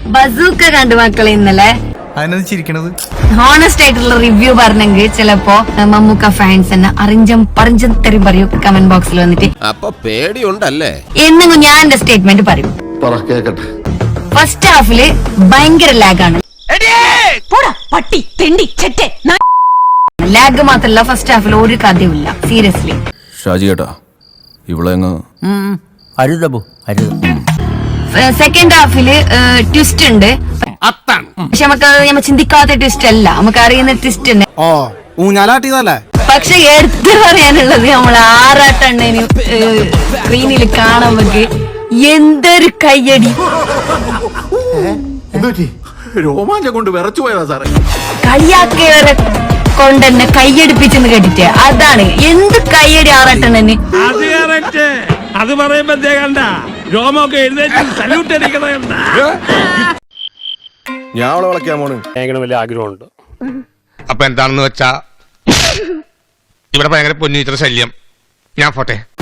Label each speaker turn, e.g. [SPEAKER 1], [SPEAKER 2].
[SPEAKER 1] Bazooka കണ്ടു മക്കളെ ഇന്നലെ. ഹോണസ്റ്റ് ആയിട്ടുള്ള റിവ്യൂ പറഞ്ഞെങ്കിൽ ചിലപ്പോ മമ്മൂക്ക ഫാൻസ് തന്നെ അറിഞ്ചം തെറി പറയൂ കമന്റ് ബോക്സിൽ വന്നിട്ട്.
[SPEAKER 2] അപ്പൊ പേടിയുണ്ടല്ലേ?
[SPEAKER 1] എന്നെങ്കിലും ഞാൻ എന്റെ സ്റ്റേറ്റ്മെന്റ് പറയും. ഫസ്റ്റ് ഹാഫില് ഭയങ്കര ലാഗാണ്. ലാഗ് മാത്രല്ല ഫസ്റ്റ് ഹാഫിൽ ഒരു കഥയുമില്ല. സീരിയസ്ലി
[SPEAKER 3] ഷാജി കേട്ടാ ഇവിടെ
[SPEAKER 1] സെക്കൻഡ് ഹാഫില് ട്വിസ്റ്റ് ഉണ്ട്. പക്ഷെ നമുക്ക് ചിന്തിക്കാത്ത ട്വിസ്റ്റ് അല്ല, നമുക്ക് അറിയുന്ന ട്വിസ്റ്റ് തന്നെ. പക്ഷെ എടുത്തു പറയാനുള്ളത് നമ്മൾ ആറാട്ടെണ്ണന് സ്ക്രീനിൽ കാണുമ്പോ എന്തൊരു കയ്യടി,
[SPEAKER 4] രോമാഞ്ചം കൊണ്ട് വിറച്ചു പോയതാ സാറേ.
[SPEAKER 1] കളിയാക്കിയവരെ കൊണ്ടെന്നെ കയ്യടിപ്പിച്ചെന്ന് കേട്ടിട്ട് അതാണ് എന്ത് കയ്യടി ആറാട്ടെണ്ണന്.
[SPEAKER 5] അത് പറയുമ്പോ രോമൊക്കെ എഴുന്നേറ്റ് സല്യൂട്ട് അടിക്കണ.
[SPEAKER 4] ഞാൻ അവളെ വിളക്കാൻ പോണ്.
[SPEAKER 5] ഭയങ്കര വലിയ ആഗ്രഹമുണ്ട്.
[SPEAKER 6] അപ്പൊ എന്താണെന്ന് വെച്ചാ ഇവിടെ ഭയങ്കര പൊന്നീറ്റർ ശല്യം. ഞാൻ പോട്ടെ.